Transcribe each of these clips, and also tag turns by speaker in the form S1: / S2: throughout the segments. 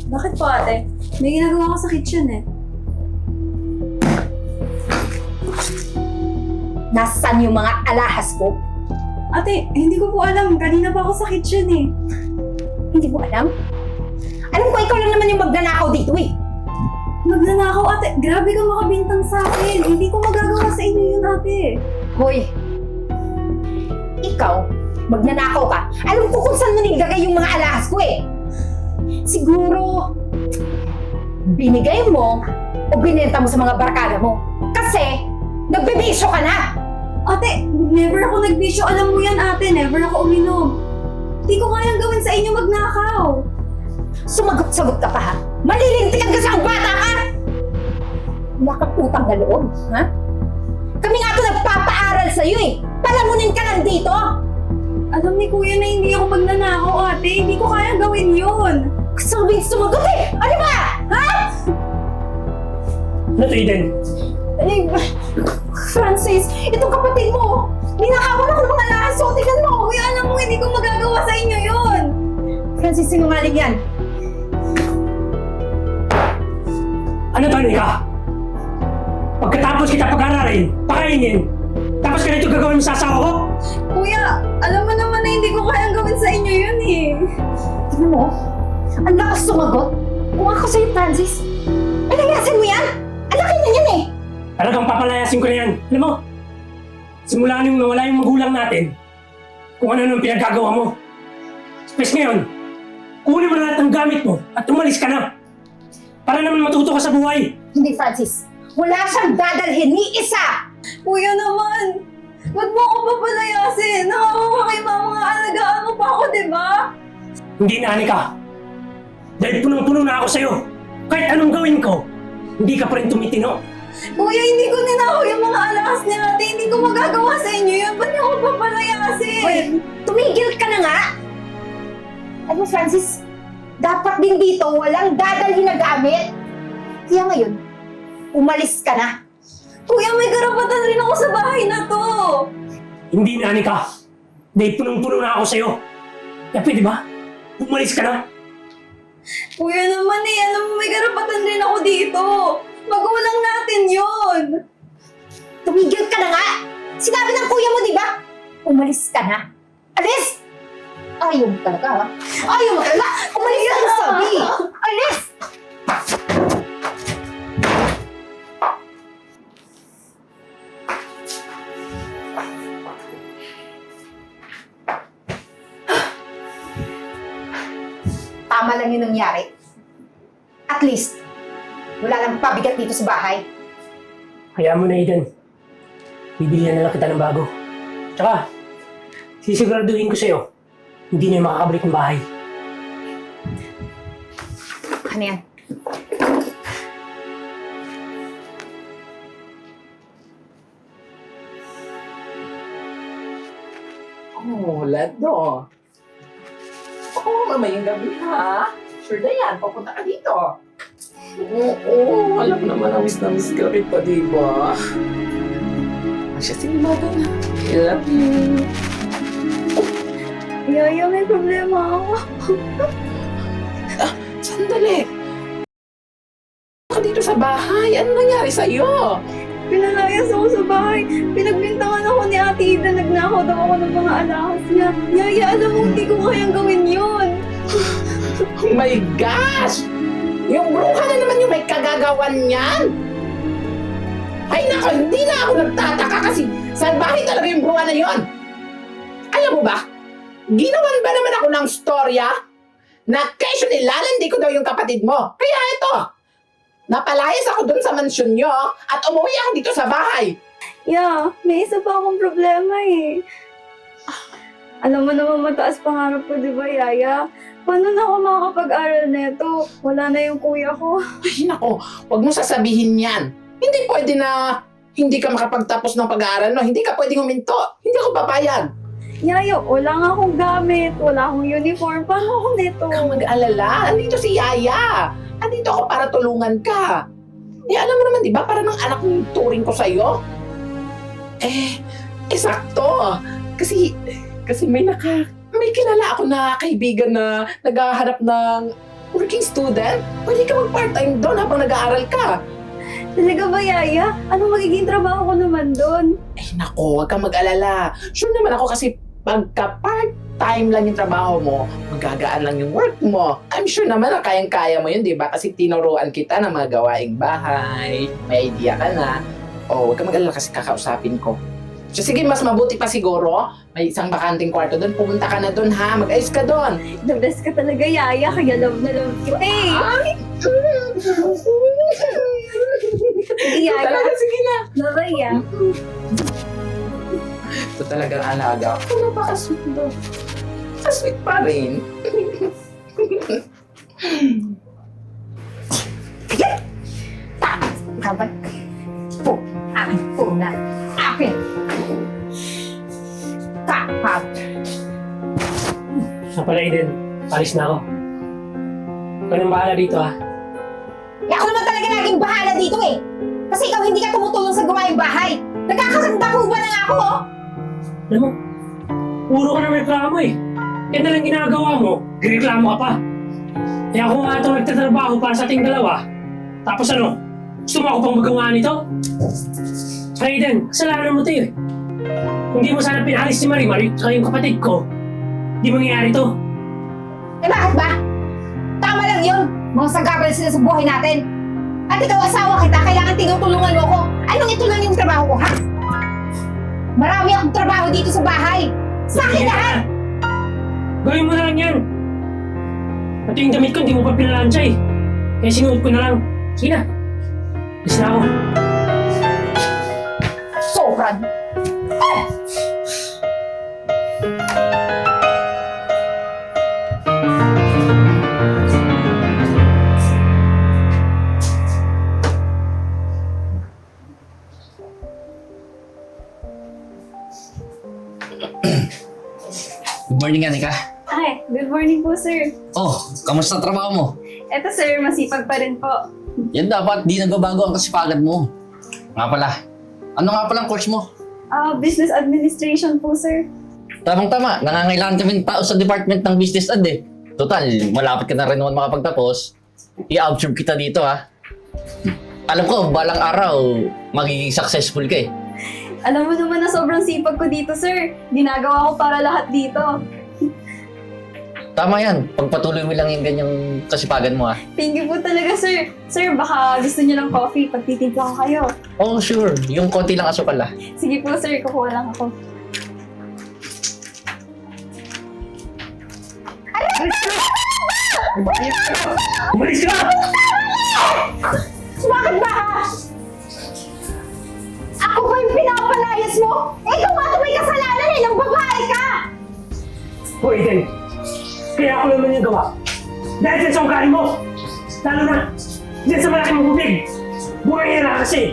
S1: Bakit po ate? May ginagawa ko sa kitchen eh.
S2: Nasaan yung mga alahas ko?
S1: Ate, hindi ko po alam. Kanina pa ako sa kitchen eh.
S2: Hindi mo alam? Alam ko, ikaw lang naman yung magnanakaw dito eh.
S1: Magnanakaw ate. Grabe ka makabintang sa akin. Hindi ko magagawa sa inyo yun ate.
S2: Hoy, ikaw, magnanakaw ka. Alam ko kung saan mo nilagay yung mga alahas ko eh. Siguro, binigay mo o binenta mo sa mga barkada mo. Kasi, nagbibisyo ka na.
S1: Ate, never ako nagbisyo. Alam mo yan ate. Never ako uminom. Hindi ko kayang gawin sa inyo magnakaw.
S2: Sumagot-sagot ka pa ha? Malilintikan ka sa ang bata ka! Wala kang utang na loob, ha? Kami nga ito nagpapaaral sa'yo eh! Palamunin ka lang dito!
S1: Alam ni kuya na hindi ako magnanakaw ate. Hindi ko kayang gawin yun.
S2: Sabing sumagot eh! Ano ba? Ha?
S3: Ano to, Eden?
S2: Eh, Francis, itong kapatid mo, ninakawan ako ng mga laso. Tingnan mo!
S1: Kuya, alam mo hindi ko magagawa sa inyo yun.
S2: Francis, sinungaling yan.
S3: Ano to, Nika? Pagkatapos kita pag-aralin, pakainin, tapos ganito gagawin mo sa asawa ko?
S1: Kuya, alam mo naman na hindi ko kayang gawin sa inyo yun eh.
S2: Tingnan mo, ang lakas sumagot. Kung ako sa'yo, Francis, palayasin mo yan! Ang laki na yan eh!
S3: Talagang papalayasin ko na yan. Alam mo, simula nung nawala yung magulang natin, kung ano nung pinagkagawa mo. Space ngayon, kunin mo na lahat ng gamit mo at umalis ka na. Para naman matuto ka sa buhay.
S2: Hindi, Francis. Wala siyang dadalhin ni isa!
S1: Kuya naman, ba't mo ako papalayasin? Nakakawa kay mama nga alagaan mo pa ako, di ba?
S3: Hindi na, Anika. Dahil punong-puno na ako sa'yo. Kahit anong gawin ko, hindi ka pa rin tumitino.
S1: Kuya, hindi ko ninakaw yung mga alahas ni ate. Hindi ko magagawa sa inyo yun. Ba't niyo ako papalayasin?
S2: Hoy, tumigil ka na nga! Alam mo, Francis, dapat din dito walang dadalhin na gamit. Kaya ngayon, umalis ka na.
S1: Kuya, may karapatan rin ako sa bahay na to.
S3: Hindi na, Anika. Dahil punong-puno na ako sa'yo. Kaya pwede ba? Umalis ka na.
S1: Kuya naman eh, alam mo may karapatan rin ako dito. Magulang natin yun.
S2: Tumigil ka na nga! Sinabi ng kuya mo, di ba? Umalis ka na. Alis! Ayaw mo talaga, ha? Ayaw mo talaga! Umalis ka na, sabi! Alis! Tama lang yung nangyari. At least, wala lang pabigat dito sa bahay.
S3: Hayaan mo na, Eden. Bibilihan na lang kita ng bago. Tsaka, sisiguraduhin ko sa'yo, hindi na yung makakabalik ng bahay.
S2: Ano yan?
S4: Oh, Lado. Oo, mamayang gabi ha. Sure na yan, papunta ka dito. Oo, alam mo naman na miss ka kita, di ba? Asya, sige Lado na. I love you.
S1: Yaya, may problema ako.
S4: Sandali. Ka dito sa bahay. Ano nangyari sa'yo?
S1: Pinalayas ako sa bahay. Pinagbintangan ako ni Ate Ida. Nagnakaw daw ako ng mga alahas niya. Yaya, alam mo, hindi ko kayang gawin yun.
S4: Oh my gosh! Yung bruha na naman yung may kagagawan niyan. Ay nako, hindi na ako nagtataka kasi salbahe talaga yung bruha na yon. Alam mo ba, ginawan ba naman ako ng storya na kesyo nilalandi ko daw yung kapatid mo. Kaya ito, napalayas ako dun sa mansyon nyo at umuwi ako dito sa bahay.
S1: Yeah, may isa pa akong problema eh. Alam mo naman mataas pangarap ko, di ba, Yaya? Paano na ako makakapag-aral nito? Wala na yung kuya ko.
S4: Ay nako, huwag mo sasabihin yan. Hindi pwede na hindi ka makapagtapos ng pag-aaral, no? Hindi ka pwedeng huminto. Hindi ako papayag.
S1: Yaya, wala nga akong gamit. Wala akong uniform. Paano ako nito?
S4: Huwag kang mag-alala. Andito si Yaya. Andito ako para tulungan ka. Eh, alam mo naman, di ba? Para ng anak ng turing ko sa'yo. Sakto. Kasi may kilala ako na kaibigan na naghahanap ng working student? Pwede ka mag-part-time doon habang nag-aaral ka.
S1: Talaga ba, Yaya? Anong magiging trabaho ko naman doon?
S4: Ay nako, huwag kang mag-alala. Sure naman ako kasi pagka part-time lang yung trabaho mo, magagaan lang yung work mo. I'm sure naman na kayang-kaya mo yun, di ba? Kasi tinuruan kita ng mga gawaing bahay. May idea ka na. O, huwag kang mag-alala kasi kakausapin ko. So, sige, mas mabuti pa siguro. May isang bakanting kwarto doon. Pumunta ka na doon, ha? Mag-ayos ka doon.
S1: The best ka talaga, Yaya. Kaya love na love kita eh. Sige, Yaya.
S4: Talaga, sige na.
S1: Bye-bye, ah.
S4: Ito talagang alaga. Ako napaka-sweet doon. Ka-sweet pa rin.
S2: Kabat. Po. Akin po na. Akin. Kapap.
S3: Sa pala, Eden. Alis na ako. Ikaw nang bahala dito, ha?
S2: Eh ako naman talaga laging bahala dito eh. Kasi ikaw hindi ka tumutulong sa gawaing bahay. Nagkakaganda ko ba na nga ako oh?
S3: Alam mo, puro ka na reklamo eh. Yan na lang ginagawa mo, gireklamo ka pa. Kaya ako nga itong nagtatrabaho para sa ating dalawa. Tapos ano, gusto mo ako pang magawa nito? Saka Eden, kasalanan mo ito eh. Kung di mo sana pinalis si Marimar at yung kapatid ko, di mangyayari to.
S2: Eh bakit ba? Tama lang yun. Mga sagabal sila sa buhay natin. At ikaw asawa kita, kailangan tinutulungan mo ko. Anong ito lang yung trabaho ko, ha? Marami akong trabaho dito sa bahay. Sa akin lahat!
S3: Gawin mo na lang yan. Pati yung damit ko, hindi mo pa pinalansya eh. Kaya sinuot ko na lang. Sige na. Alis na ako.
S2: Sobrang.
S5: Good morning, Anika.
S1: Ay, good morning po, sir.
S5: Oh, kamusta trabaho mo?
S1: Eto, sir, masipag pa rin po.
S5: Yan dapat, di nagbabago ang kasipagan mo. Nga pala, ano nga palang course mo?
S1: Business administration po, sir.
S5: Tamang-tama, nangangailangan kami ng tao sa department ng business ad eh. Total, malapit ka na rin naman makapagtapos. I-absorb kita dito ha. Alam ko, balang araw, magiging successful ka eh.
S1: Alam mo naman na sobrang sipag ko dito, sir. Ginagawa ko para lahat dito.
S5: Tama yan, pagpatuloy mo lang yung ganyang kasipagan mo ha.
S1: Thank you po talaga, sir. Sir, baka gusto niyo ng coffee. Pagtitimpla ko kayo.
S5: Oh, sure, yung konti lang asukal ha.
S1: Sige po, sir. Kukuha lang ako.
S3: Umalis ka!
S2: Bakit ba ha? Ako ba yung pinapalayas mo? Ikaw nga ito may kasalanan eh, nang babae ka!
S3: O Eden, kaya ako naman yung gawa. Dahil dyan sa ugali mo. Lalo na, dyan sa malaking bubig. Buhay na kasi.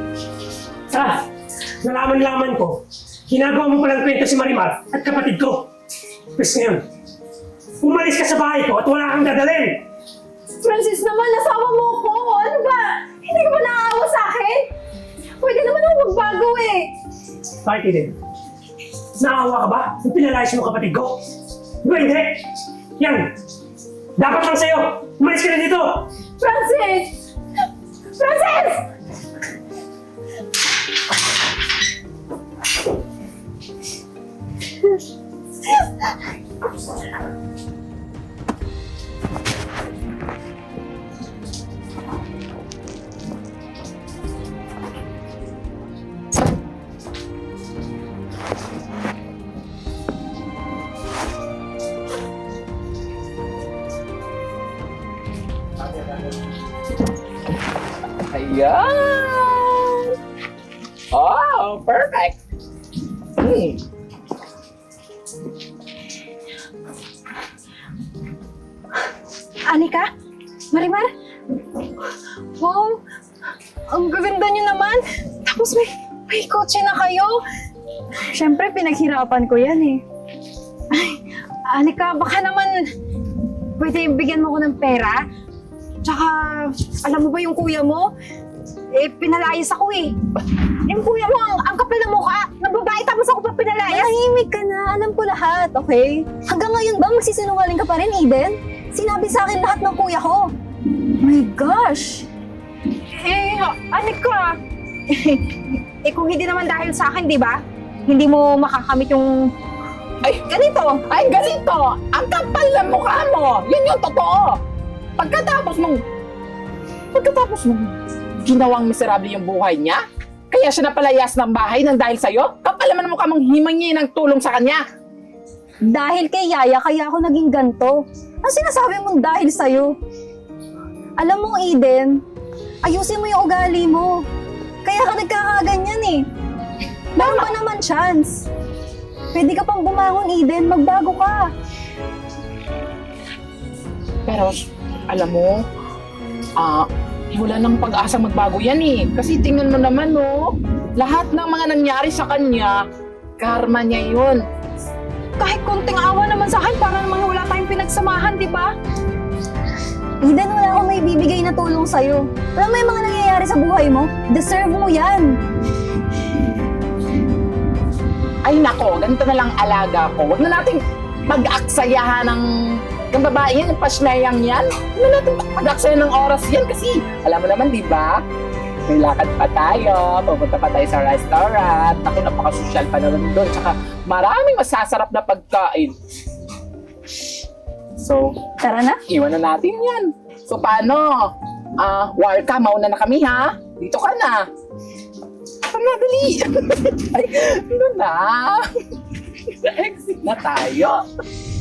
S3: Nalaman-laman ko, ginagawa mo palang kwento si Marimar at kapatid ko. Pwes ngayon, umalis ka sa bahay ko at wala kang dadalhin.
S1: Francis naman, nasawa mo ko. Ano ba? Hindi ka ba naaawa sa akin? Pwede naman ako magbago eh.
S3: Bakit Eden? Naawa ka ba? Yung pinalayas mo kapatid ko? Di ba hindi? Yan! Dapat lang sa'yo! Umalis ka na dito!
S1: Francis! Francis!
S4: Ayan! Oh, perfect!
S1: Anika? Marimar? Wow! Ang gaganda niyo naman! Tapos may kotse na kayo! Siyempre, pinaghirapan ko yan eh. Ay, Anika, baka naman pwede bigyan mo ko ng pera? Tsaka, alam mo ba yung kuya mo? Eh, pinalayas ako eh. Yung kuya mo, ang kapal na mukha, ng babae tapos ako pa pinalayas. Mahimik ka na, alam ko lahat, okay? Hanggang ngayon ba magsisinungaling ka pa rin, Eden? Sinabi sa akin lahat ng kuya ko. My gosh! Anika, kung hindi naman dahil sa akin, di ba? Hindi mo makakamit yung
S4: Ay,
S1: ganito.
S4: Ay, ganito! Ang kapal ng mukha mo! Yun yung totoo! Pagkatapos mong ginawang miserable yung buhay niya, kaya siya napalayas ng bahay nang dahil sa'yo, kapal naman ang mukha mong himangi ng tulong sa kanya.
S1: Dahil kay Yaya, kaya ako naging ganto. Ang sinasabi mong dahil sa'yo. Alam mo, Eden, ayusin mo yung ugali mo. Kaya ka nagkakaganyan eh. Meron pa naman chance. Pwede ka pang bumangon, Eden. Magbago ka.
S4: Pero, alam mo, wala nang pag-asang magbago yan eh. Kasi tingnan mo naman, no, lahat ng mga nangyari sa kanya, karma niya yun.
S1: Kahit konting awa naman sa akin, para namang wala tayong pinagsamahan, di ba? Eden, wala akong may bibigay na tulong sa'yo. Alam mo yung mga nangyayari sa buhay mo? Deserve mo yan.
S4: Ay nako, ganito na lang alaga ko. Huwag na nating pag-aksayahan ng babae yan, yung pasnayang yan. Huwag na natin pag-aksayahan ng oras yan kasi alam mo naman, di ba? May lakad pa tayo, pupunta pa tayo sa restaurant. Ako, napaka-social pa naman doon. Tsaka maraming masasarap na pagkain. So,
S1: Tara na.
S4: iwan na natin yan. So, paano? Warka, mauna na kami ha? Dito ka na. Tara, dali. Ay, ano na? Exit na tayo.